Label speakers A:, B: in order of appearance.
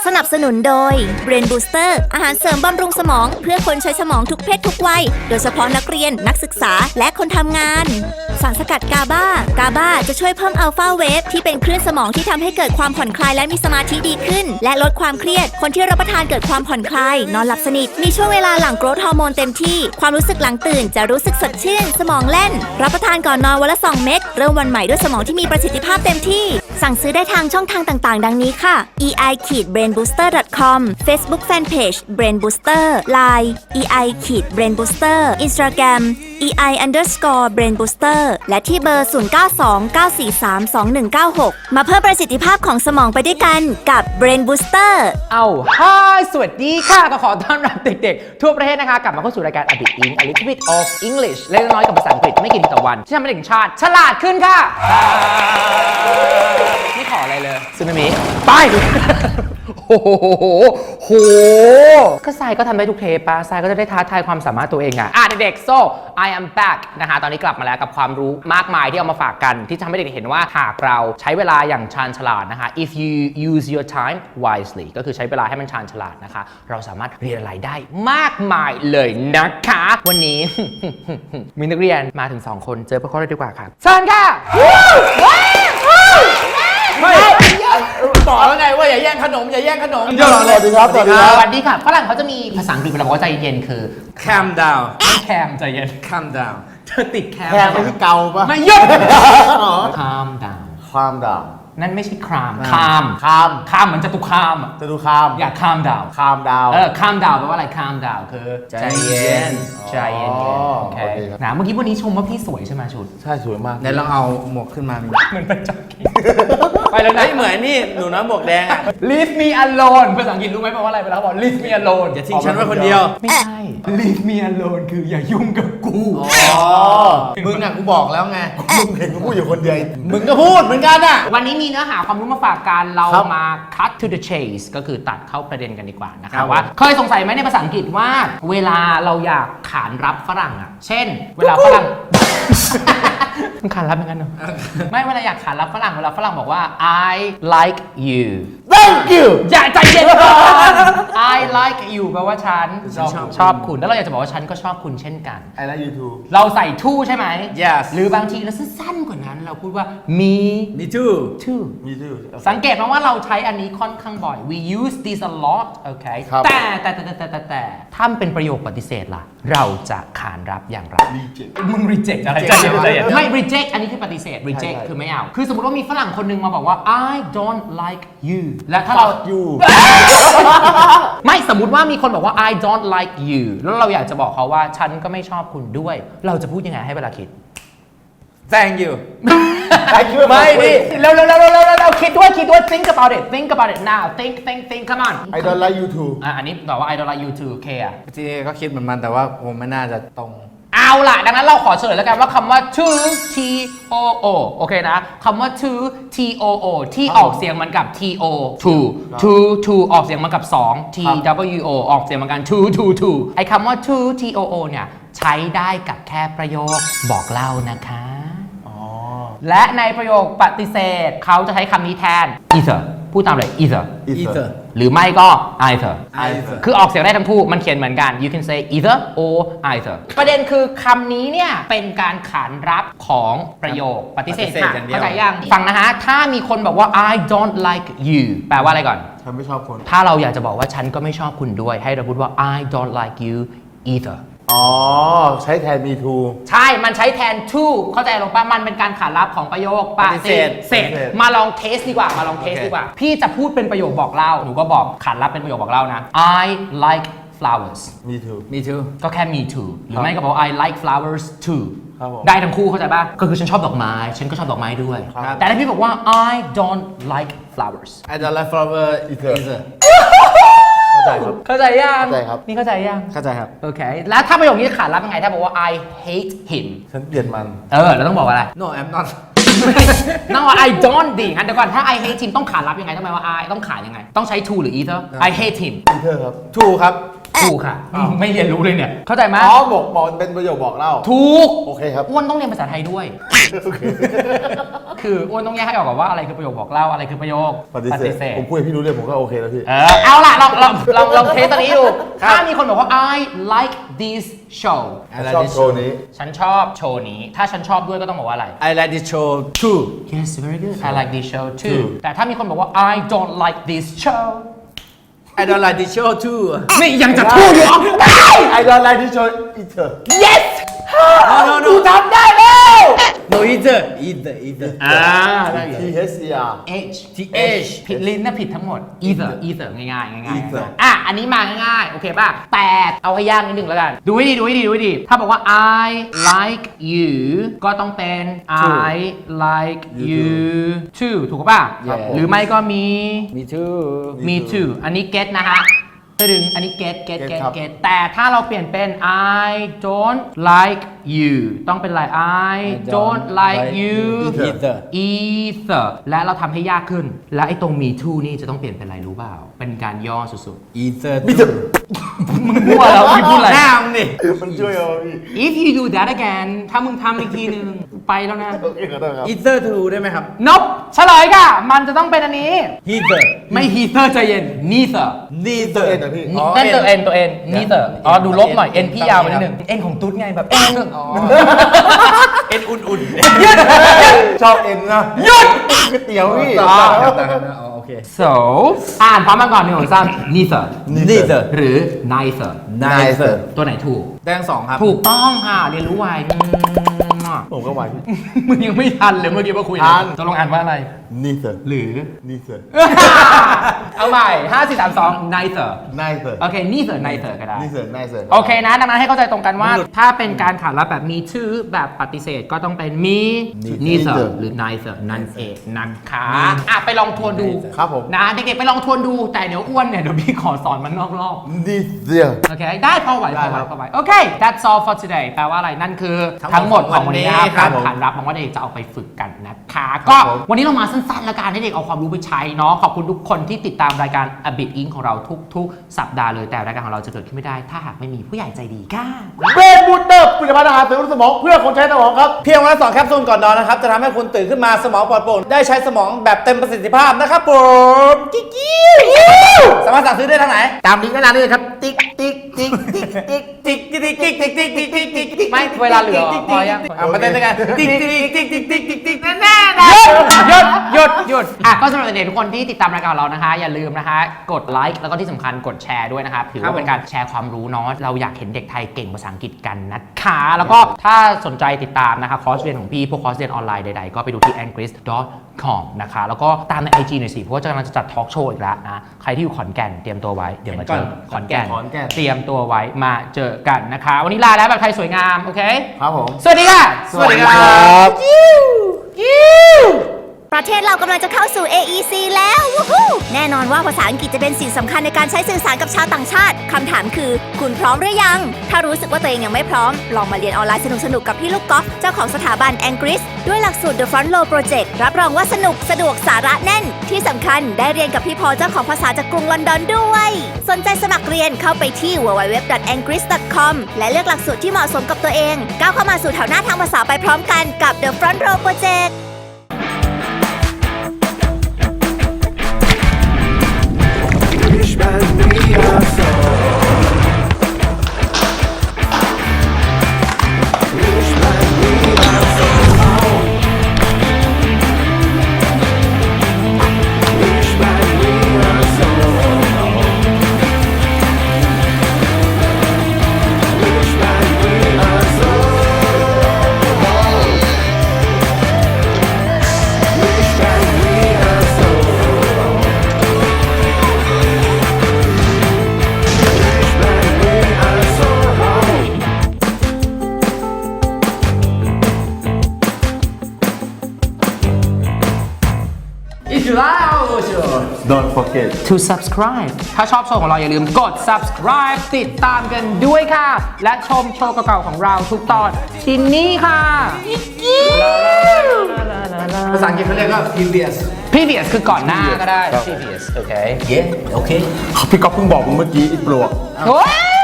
A: สนับสนุนโดย Brain Booster อาหารเสริมบำรุงสมองเพื่อคนใช้สมองทุกเพศทุกวัย โดยเฉพาะนักเรียนนักศึกษาและคนทำงาน สารสกัดกาบาจะช่วยเพิ่มอัลฟาเวฟที่เป็นคลื่นสมองที่ทำให้เกิดความผ่อนคลายและมีสมาธิดีขึ้น และลดความเครียด คนที่รับประทานเกิดความผ่อนคลาย นอนหลับสนิท มีช่วงเวลาหลั่งโกรทฮอร์โมนเต็มที่ความรู้สึกหลังตื่นจะรู้สึกสดชื่น สมองแล่น รับประทานก่อนนอนวันละ2 เม็ดเริ่มวันใหม่ด้วยสมองที่มีประสิทธิภาพเต็มที่สั่งซื้อได้ทางช่องทางต่างๆ ดังนี้ค่ะ ei-brainbooster.com Facebook Fanpage Brain Booster Line ei-brainbooster Instagram ei_brain booster และที่เบอร์ 0929432196 มาเพิ่มประสิทธิภาพของสมองไปด้วยกันกับ Brain Booster
B: สวัสดีค่ะก็ขอต้อนรับเด็กๆทั่วประเทศนะคะกลับมาเข้าสู่รายการ A Bit In A Little Bit of English เล็กน้อยกับภาษาอังกฤษไม่กี่ทีต่อวันที่ทำให้เด็กชาติฉลาดขึ้นค่ะไม่ขออะไรเลยซึนามิไปโอ้โหก็ทรายก็ทำได้ทุกเทปป่ะทรายก็จะได้ท้าทายความสามารถตัวเองอ่ะเด็กๆ so I am back นะคะตอนนี้กลับมาแล้วกับความรู้มากมายที่เอามาฝากกันที่ทำให้เด็กๆเห็นว่าหากเราใช้เวลาอย่างชาญฉลาดนะคะ if you use your time wisely ก็คือใช้เวลาให้มันชาญฉลาดนะคะเราสามารถเรียนอะไรได้มากมายเลยนะคะวันนี้ มีนักเรียนมาถึง2 คนเจอพวกเขาเลยดีกว่าครับเชิญค่ะ
C: ไม่บอกแล้วไงว่าอย่าแย่งขนมอย่าแย่งขนม
D: สวัสดีครับสวัสดีครับ
B: สวัสดีค่ะฝรั่งเขาจะมีภาษาอังกฤษเวลาบอกว่าใจเย็นคือ
C: calm down
B: แคมใจเย็น
C: calm down
B: เธอติดแคม
D: แค่ไม่ใช่เกาปะ
B: ไม่หยุด calm down
D: ความด่า
B: นั่นไม่ใช่คราม
D: คาม
B: คามเหมือนจตุคาม
D: จะดูคาม
B: อย่า calm down
D: คามดาว
B: calm down แปลว่าอะไร calm down คือใจเย็นใจเย็นโอเค
D: โอเคครับ
B: นะเมื่อกี้วันนี้ชมว่าพี่สวยใช่ไหมชุด
D: ใช่สวยมาก
C: เดี๋ยวลองเอาหมวกขึ้นมามี
B: เหมือนเป็นจ็อกกี้ไปแล้วนะ
C: เหมือนนี่หนูน้อยหมวกแดงอ่ะ
B: leave me alone ภาษาอังกฤษรู้ไหมแปลว่าอะไรเวลาบอก leave me alone
C: อย่าทิ้งฉันไว้คนเดียว
B: ไม่ใช่ leave me alone คืออย่ายุ่งกับกู
C: มึงอ่ะกูบอกแล้วไง
D: มึงเห็นกูพูดอยู่คนเดียว
C: มึงก็พูดเหมือนกันอ่ะ
B: วันนี้มีเนื้อหาความรู้มาฝากกันเรา
D: ครับ
B: มา cut to the chase ก็คือตัดเข้าประเด็นกันดีกว่านะค
D: ครั
B: รับบ ว่าเคยสงสัยไหมในภาษาอังกฤษว่าเวลาเราอยากขานรับฝรั่งอ่ะ เช่น เวลาฝรั่ง มันขานรับอย่างนั้นเหรอ ไม่เวลาอยากขานรับฝรั่งเวลาฝรั่งบอกว่า I like you
D: thank you
B: อย่าใจเย็นก่อน I like you แปลว่าฉันชอบคุณแล้วเราอยากจะบอกว่าฉันก็ชอบคุณเช่นกัน
D: I like you too
B: เราใส่ to ใช่ไหม
C: Yes
B: หรือบางทีเราสั้นๆกว่านั้นเราพูดว่า me
C: me too
B: too
D: me too
B: สังเกตมาว่าเราใช้อันนี้ค่อนข้างบ่อย we use this a lot โอเค
D: ครับ
B: แต่ถ้ามันเป็นประโยคปฏิเสธล่ะ เราจะขานรับอย่างไร
D: reject
B: มึง reject อะไร
C: reject
B: ใจเย็นไม่ reject อันนี้คือปฏิเสธ reject
D: ใช่
B: คือไม่เอา คือสมมติว่ามีฝรั่งคนหนึงมาบอกว่า I don't like you และถ้าเรา
D: fuck you
B: ไม่สมมุติว่ามีคนบอกว่า I don't like you แล้วเราอยากจะบอกเขาว่าฉันก็ไม่ชอบคุณด้วย เราจะพูดยังไงให้เวลาคิด
C: thank you
D: thank you
B: ไม่ดิเร็วคิดด้วย think about it now think come on
D: I don't like you too
B: อันนี้ตอบว่า I don't like you too เคอะ
C: จริงๆก็คิดเหมือนมันแต่ว่าผมไม่น่าจะตรง
B: เอาล่ะดังนั้นเราขอเฉลยแล้วกันว่าคำว่า to t o o โอเคนะคำว่า to t o o ที่ออกเสียงเหมันกับ t o to ออกเสียงเหมันกับ2 t w o ออกเสียงเหมือนกัน to ไอ้คำว่า to t o o เนี่ยใช้ได้กับแค่ประโยคบอกเล่านะคะ และในประโยคปฏิเสธเขาจะใช้คำนี้แทน either พูดตามเลย either
C: either
B: หรือไม่ก็ either
C: either
B: คือออกเสียงได้ทั้งคู่มันเขียนเหมือนกัน you can say either or either ประเด็นคือคำนี้เนี่ยเป็นการขานรับของประโยคปฏิเสธค่ะ
C: อย่างเดียว
B: เข้าใจยังฟังนะฮะถ้ามีคนบอกว่า I don't like you แปลว่าอะไรก่อน
D: ฉันไม่ชอบคน
B: ถ้าเราอยากจะบอกว่าฉันก็ไม่ชอบคุณด้วยให้เราพูดว่า I don't like you either
D: อ๋อใช้แทน me too
B: ใช่ มันใช้แทน to เข้าใจลงป่ะ มันเป็นการขานรับของประโยคปฏิเสธมาลองเทสดีกว่า พี่จะพูดเป็นประโยคบอกเล่า หนูก็บอกขานรับเป็นประโยคบอกเล่านะ I like flowers
D: me too
C: me too
B: ก็แค่ me too หรือไม่ก็บอก I like flowers too
D: ครับผม
B: ได้ทั้งคู่เข้าใจป่ะ ก็คือฉันชอบดอกไม้ ฉันก็ชอบดอกไม้ด้วย
D: ครับ
B: แต่ถ้าพี่บอกว่า I don't like flowers
C: I don't like flower
D: either
C: either
D: เข้าใจครับ
B: เข้าใจยัง
D: เข้าใจครับ
B: นี่เข้าใจยัง
C: เข้าใจครับ
B: โอเค แล้วถ้าประโยคนี้ขานรับยังไง ถ้าบอกว่า I hate him
D: ฉันเกลียดมัน
B: เราต้องบอกว่าอะไร
C: no I'm not
B: นั่งว่า I don't ดิงั้นเดี๋ยวก่อนถ้า I hate him ต้องขานรับยังไงทำไมว่า I ต้องขานยังไง ต้องใช้ to หรือ either I hate him
D: either ครับ
C: ถูกครับ
B: ถูกค่ะไม่เรียนรู้เลยเนี่ยเข้าใจไหม
D: อ๋อบอกเป็นประโยคบอกเล่า
B: ถูก
D: โอเคครับ
B: อ้วนต้องเรียนภาษาไทยด้วย
D: โอเค
B: คืออ้วนต้องแยกให้ออกก่อนว่าอะไรคือประโยคบอกเล่าอะไรคือประโยค
D: ปฏิเสธผมพูดให้พี่รู้เรื่องผมก็โอเคแล้วพี่
B: เอาล่ะลองเทสตัวนี้ดู ถ้ามีคนบอกว่า I like this show
D: ชอบโชว์นี้
B: ฉันชอบโชว์นี้ ถ้าฉันชอบด้วยก็ต้องบอกว่าอะไร
C: I like this show too
B: Yes very good I like this show too แต่ถ้ามีคนบอกว่า I don't like this show
C: I don't like this show too
B: นี่ยังจะพูดอยู่
D: I don't like this show either
B: Yes
C: no
B: กูทำได้แล้ว
C: no either
B: ได้
D: T H E R
B: H T H ผิดลิ้นนะผิดทั้งหมด either ง่ายๆอันนี้มาง่ายๆ โอเคป่ะ แต่เอาให้ยากนิดนึงแล้วกัน ดูให้ดี ถ้าบอกว่า I like you ก็ต้องเป็น I like you too ถูกป่ะ หรือไม่ก็มี
C: me too
B: me too อันนี้ get นะฮะถึงอันนี้ get
D: ครับ
B: แต่ถ้าเราเปลี่ยนเป็น I don't like you ต้องเป็นอะไร I don't like you either และเราทำให้ยากขึ้น และไอ้ตรง me too นี่จะต้องเปลี่ยนเป็นอะไรรู้เปล่า เป็นการย่อสุด
C: either
B: ๆ มึงมั่วแล้วพี่พูดอะไร
C: หน้ามึงดิ
D: มันช่วยเอาพี่
B: If you do that again ถ้ามึงทำอีกทีนึงไปแล้วนะ
D: โอเคขอโทษครับ
C: either too ได้ไหมครับ
B: Nope เฉลยค่ะ มันจะต้องเป็นอันนี้
C: either
B: ไม่ heather ใจเย็น neither
C: neither
D: เอ็นนะพี่
B: นั่นตัว N ตัว N neither อ๋อดูลบหน่อย N พี่ยาวไปนิดนึง N ของตุ๊ดไงแบบ N
C: เอ็นอุ่น
D: ชอบเอ็นนะ
B: หยุด
D: ก๋วยเตี๋ยวพี่
C: โอเค
B: so อ่านพร้อมกันก่อนหนึ่งสองสาม neither
C: neither
B: หรือ neither
C: neither
B: ตัวไหนถูก
C: แดงสองครับ
B: ถูกต้องค่ะเรียนรู้ไว
D: ผมก็ไหวพี่
B: มึงยังไม่ทันเลยเมื่อกี้มาคุย
D: ทัน
B: จะลองอ่านว่าอะไร
D: neither
B: หรือ
D: neither
B: เอาใหม่5 4 3 2 neither
D: neither
B: โอเค neither ก็ได้
D: neither
B: โอเคนะ ดังนั้นให้เข้าใจตรงกันว่า ถ้าเป็นการขานรับแบบมีชื่อแบบปฏิเสธก็ต้องเป็นมี neither หรือ neither นั่นเองนะคะอ่ะไปลองทวนดู
D: ครับผม
B: นะเด็กๆไปลองทวนดูแต่เดี๋ยวอ้วนเนี่ยเดี๋ยวพี่ขอสอนมันนอกรอบ
D: neither
B: โอเค ได้พอไหวโอเค that's all for today แปลว่าอะไรนั่นคือทั้งหมดของวันนี้นะครับขานรับหวังว่าเด็กจะเอาไปฝึกกันนะคะก็วันนี้เรามาสั้นๆแล้วกันให้เด็กเอาความรู้ไปใช้เนาะขอบคุณทุกคนที่ติดตามรายการ A Bit Inc ของเราทุกๆสัปดาห์เลยแต่รายการของเราจะเกิดขึ้นไม่ได้ถ้าหากไม่มีผู้ใหญ่ใจดีค่ะ
D: เบรนบูสเตอร์ผลิตภัณฑ์อาหารเสริมสมองเพื่อคนใช้สมองครับ
C: เพียงวันละ2แคปซูลก่อนนอนนะครับ จะทำให้คุณตื่นขึ้นมาสมองปลอดโปร่งได้ใช้สมองแบบเต็มประสิทธิภาพนะครับผมกิ๊กสามารถสั่งซื้อได้ทางไหน ตามลิงก์ด้านล่างนี้เลยครับ ติ๊กติ๊กติ๊กติ๊กติ๊กติ๊กติ๊กติ๊กติ๊กติ๊กติ๊กติ๊กติ๊กติ๊ก
B: ไม่เวลาเหลือพอยัง
C: มาเต้นด้วยกันติ๊กติ๊กติ๊กติ๊กติ๊กติ๊กติ๊กแน่ๆ
B: หยุดอ่ะก็สำหรับเด็กๆทุกคนที่ติดตามรายการเรานะคะ อย่าลืมนะคะกดไลค์แล้วก็ที่สำคัญกดแชร์ด้วยนะครับถือว่าเป็นการแชร์ความรู้เนาะเราอยากเห็นเด็กไทยเก่งภาษาอังกฤษกันนะคะแล้วก็ถ้าสนใจติดตามนะคะคอร์สเรียนของพี่พวกคอร์สเรียนออนไลน์ใดๆก็ไปดูที่ angris.com นะคะแล้วก็ตามใน IG หน่อยสิเพราะว่าจะกำลังจะจัดทอล์กโชว์อีกแล้วนะใครที่อยู่ขอนแก่นเตรียมตัวไว้เดี๋ยวมาเจอขอนแก่นเตรียมตัวไว้มาเจอกันนะคะวันนี้ลาแล้วแบบไทยสวยงามโอเค
D: ครับผม
B: สวัสดีค่ะ
D: สวัสดีครับ
A: ประเทศเรากำลังจะเข้าสู่ AEC แล้ววู้ฮู้แน่นอนว่าภาษาอังกฤษจะเป็นสิ่งสำคัญในการใช้สื่อสารกับชาวต่างชาติ คำถามคือคุณพร้อมหรือยัง ถ้ารู้สึกว่าตัวเองยังไม่พร้อม ลองมาเรียนออนไลน์สนุกๆ กับพี่ลูกกอล์ฟเจ้าของสถาบัน Angris ด้วยหลักสูตร The Front Row Project รับรองว่าสนุกสะดวกสาระแน่น ที่สำคัญได้เรียนกับพี่พอเจ้าของภาษาจากกรุงลอนดอนด้วย สนใจสมัครเรียนเข้าไปที่ www.angris.com และเลือกหลักสูตรที่เหมาะสมกับตัวเองก้าวเข้ามาสู่แถวหน้าทางภาษาไปพร้อมกันกับ The Front Row Project
D: Don't forget
B: to subscribe ถ้าชอบโชว์ของเราอย่าลืมกด subscribe ติดตามกันด้วยค่ะ และชมโชว์เก่าๆของเราทุกตอนที่นี่ค่ะอะไร
C: ภาษาอังกฤษเขาเรียกว่า previous
B: previous คือก่อนหน้าก็ได้
D: ครับ
B: previous โอเค
C: yeah โอเค
D: พี่ก๊อฟเพิ่งบอกมึงเมื่อกี้ไอ้ปลวก
B: โอ้ย